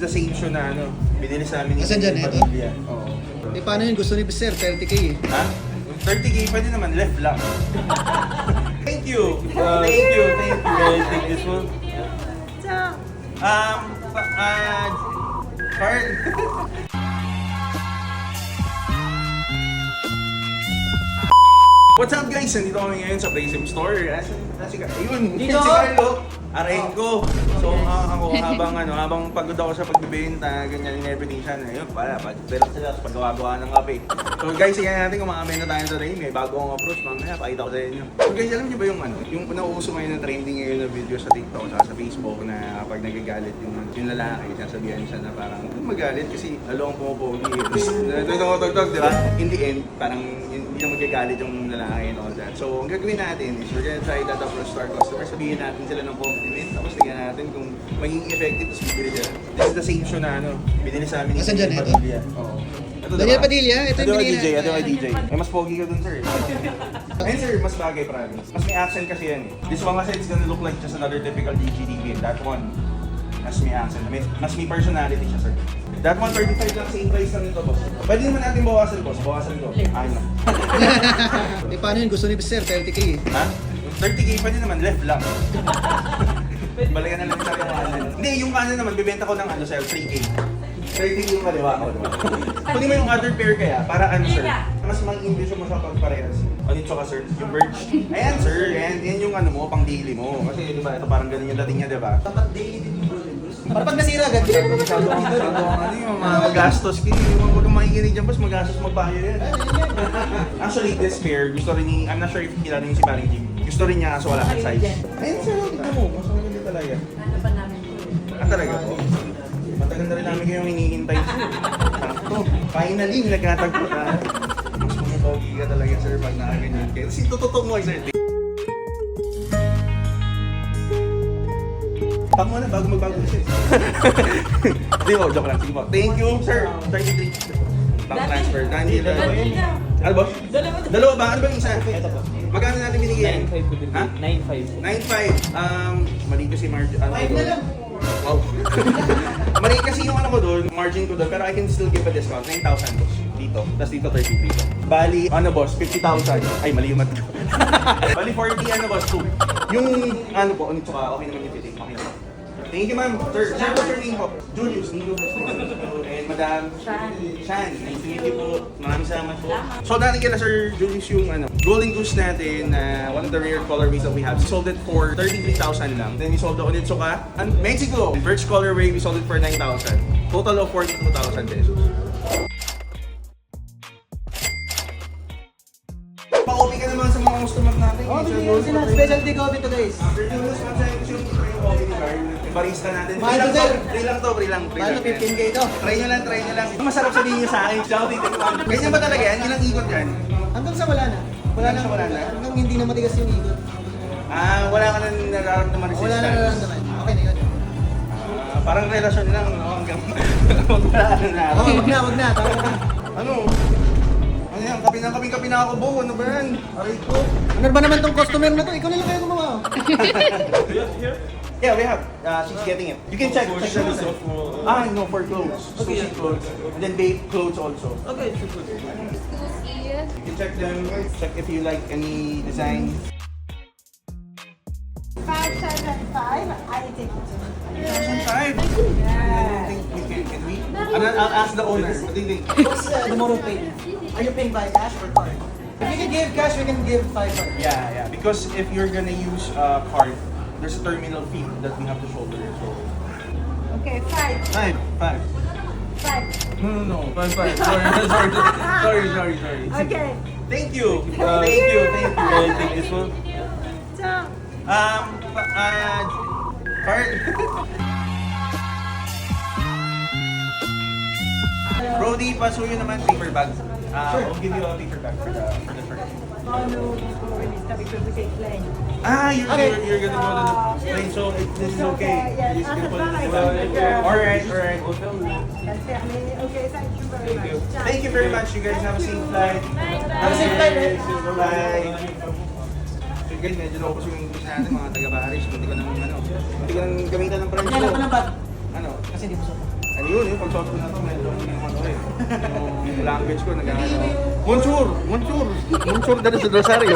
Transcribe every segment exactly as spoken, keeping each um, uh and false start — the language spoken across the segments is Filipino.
the same shoe na ano, binili sa amin ni Asan dyan, ito? Padilla. Oo. Eh, paano yun? Gusto ni Sir, thirty K eh. Ha? thirty K pwede naman, left lang. Thank you! Uh, thank you, thank you. Guys, take this one. Um, pa- uh, card. What's up guys? Nandito kami ngayon sa Prism Store. Asan na si Carlo? Ayun, si Carlo. Arayin ko. So uh, ako habang ano, habang pagod ako sa pagbibenta, ganyan in everything siya. Ayun, para pag-relax sila sa paggawa-gawa ng kape. So guys, tingnan natin kung makakain na tayo today. May bago akong approach, mamaya pakita ko sa inyo. So guys, alam niyo ba yung ano, yung nauuso ngayon na trending ngayon na video sa TikTok at sa Facebook na kapag nagagalit yung, yung lalaki, sasabihan siya na parang magalit kasi lalo ang pumupogi. Nagtutog-tog, di ba? In the end, parang hindi na magagalit yung lalaki and all that. So ang gagawin natin is we're gonna try that approach to our customer. Sabihin natin sila ng compliment, tapos tingnan natin kung magiging effective, tapos bibili sila. This is the same shoe na ano, binili sa amin ni Asan dyan, ito? Padilla. Oo. Ito Daniel Padilla, ito Ito yung kay binili D J, ito kay natin. D J. Eh, mas pogi ka dun, sir. Ayun, sir, mas bagay, promise. Mas may accent kasi yan eh. This one kasi it's gonna look like just another typical D G D V. That one, mas may accent. May, mas may personality siya, sir. That one, thirty-five lang, same price lang ito, boss. Pwede naman natin bawasan, boss. Bawasan ko. Ayun na. Eh, paano yun? Gusto ni Sir, thirty K eh. Ha? thirty K pwede naman, left lang. Balikan na lang sa kanan. Hindi, yung kanan naman, bibenta ko ng ano, sir, three K. thirty K yung kaliwa ko, diba? Kunin mo yung other pair kaya, para ano, sir? Mas mang-English mo sa pagparehas. Ano yung tsaka, sir? Yung birch. Ayan, sir. Ayan, yan yung ano mo, pang daily mo. Kasi, di ba, ito parang ganun yung dating niya, di ba? Dapat daily din yung Golden Bruce. Para pag nasira agad. Masyado ang masyado ang ano yung mga magastos. Kaya yung huwag kang makikinig dyan, boss, magastos magbayo yan. Actually, this pair, gusto rin ni, I'm not sure if kilala niyo si Paring Jim. Gusto rin niya, kaso wala kang size. Ayun, sir, tignan mo. Mas maganda talaga. Ano pa namin po? Ah, talaga po? Matagal na rin namin kayong hinihintay, sir. Sakto. Finally, nagkatagpo na. Mas pumupogi ka talaga, sir, pag nakaganyan kayo. Kasi tututok mo, sir. Pak mo na bago magbago siya. Hindi mo, joke lang. Sige po. Thank you, sir. thirty-three. Bank transfer. Nandito. Ano ba? Dalawa. Dalawa ba? Ano ba yung isa? Ito po. Magkano natin binigyan? nine five po din. Ha? nine five. nine five. Um, mali kasi margin. Ano Five ko na doon? lang. Wow. Mali kasi yung ano ko doon, margin ko doon, pero I can still give a discount. nine thousand boss. Dito. Tapos dito thirty-three. Bali, ano boss, fifty thousand. Ay, mali yung mat ko. Bali, forty ano boss, two. Yung ano po, ano tsaka, okay naman yung fitting. Okay naman. Thank you, ma'am. Sir, sir, what's your name po? Julius. Nico. And Madam Shan. Shan. Nice to meet you po. Maraming salamat po. So, natin kila Sir Julius yung ano, Golden Goose natin na uh, one of the rare colorways that we have. We sold it for thirty-three thousand lang. Then we sold the Onitsuka and Mexico. Birch colorway, we sold it for nine thousand. Total of forty-two thousand pesos. Pa-copy ka naman sa mga customers natin. Oh, bigyan sila. Specialty coffee to guys. Sir Julius, magsaya ko yung coffee ni Carl. Yung barista natin. Mahal Free lang to, sir. to, free lang to, free lang. free Paano lang. fifteen K ito? Try nyo lang, try nyo lang. Masarap sabihin nyo sa akin. Ciao, titikman. Ganyan ba talaga yan? Ilang ikot yan? Hanggang sa wala na. Wala na, Wala na? Hanggang hindi na matigas yung ikot. Ah, wala ka na nararamdaman resistance. Wala na nararamdaman. Okay na yun. Ah, parang relasyon lang, no? Hanggang wala ka na. Okay, wag na, wag na. Tama na. Ano? Ano yan? Kapi na kapi kapi na ako, Bo. Ano ba yan? Aray ko. Ano ba naman tong customer na to? Ikaw na lang kayo gumawa. Yeah, we have. Uh, she's getting it. You can check. check the design. Ah, no, for clothes. Sushi clothes. And then babe clothes also. Okay, so good. You can check them. Check if you like any design. Five, seven, five. I take it. Five. I think we can. Can we? And then I'll ask the owner. What do you think? What's uh, the mode of payment? Are you paying by cash or card? If you can give cash, we can give five card. Yeah, yeah. Because if you're gonna use a card, there's a terminal fee that we have to shoulder. So Okay, five. five, five. Five. No, no, no. Five, five. Sorry, sorry, sorry, sorry, sorry. Okay. Thank you. Uh, thank you, thank you. I'll take this one. So, Um, pa- uh, card. Brody, pasuyo naman paper bag. Uh, I'll give you a paper bag for the for the shirt. oh no, before we start because we take plane. Ah, you're, Okay. you're, you're gonna go to the plane, so it, this is okay. Yes, You just can on the put it flight. in the Yeah. Alright, alright. That's it. Okay, thank you very much. Thank you very much. You guys have a safe flight. Have a safe flight, eh? Bye. So guys, medyo locos yung English natin, mga taga-Paris. Hindi ko nang, ano, hindi ko nang gamitan ng French. Kailan ko ng bag? Ano? Kasi hindi mo suot. Ay, Ano yun, yung pagsuot ko na to, medyo yung ano eh. Yung language ko, nag-ano. Monsieur! Monsieur! Monsieur dali sa Rosario.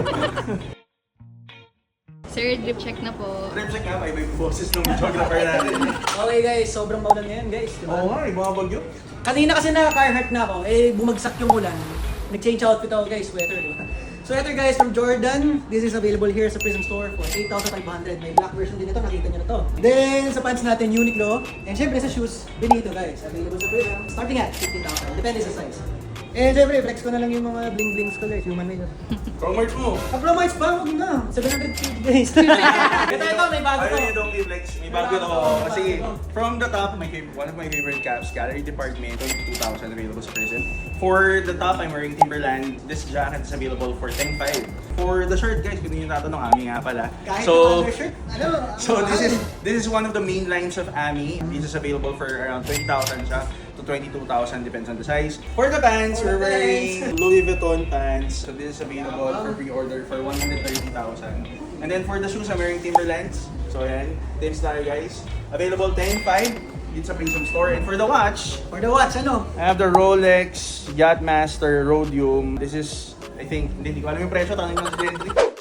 Sir, drip check na po. Trip check nga, iba yung boses ng videographer natin. Okay guys, sobrang maulan ngayon guys, di ba? Oo nga, ibang bagyo. Kanina kasi naka-Carhartt na ako, eh bumagsak yung ulan. Nag-change outfit ako guys, sweater. Di ba? Sweater guys from Jordan. This is available here sa Prism Store for eight thousand five hundred. May black version din ito, nakita nyo na to. Then sa pants natin, Uniqlo. And syempre sa shoes, Benito guys. Available sa Prism. Starting at fifteen thousand. Depende sa size. And syempre, flex ko na lang yung mga bling-blings ko guys. Human made. Promart mo. Ang promites pa, huwag na. seven hundred fifty guys. ito, ito, may bago Ayun to. yung Don't Give Legs. May bago to. Kasi from the top, my favorite, one of my favorite caps, Gallery Department, twenty-two thousand available sa Prison. For the top, I'm wearing Timberland. This jacket is available for ten five. For the shirt, guys, kung yung tatanong, Ami nga pala. Kahit So, yung undershirt, ano? so this is this is one of the main lines of Ami. This is available for around twenty thousand siya to twenty-two thousand, depends on the size. For the pants, For we're the wearing Louis Vuitton pants. So this is available for pre-order for one hundred thirty thousand. And then for the shoes, I'm wearing Timberlands. So yan, tips tayo guys. Available ten five. It's a Prism Store. And for the watch, For the watch, ano? I have the Rolex Yachtmaster Rhodium. This is, I think, hindi, hindi ko alam yung presyo. Tanong ko sa Gentry.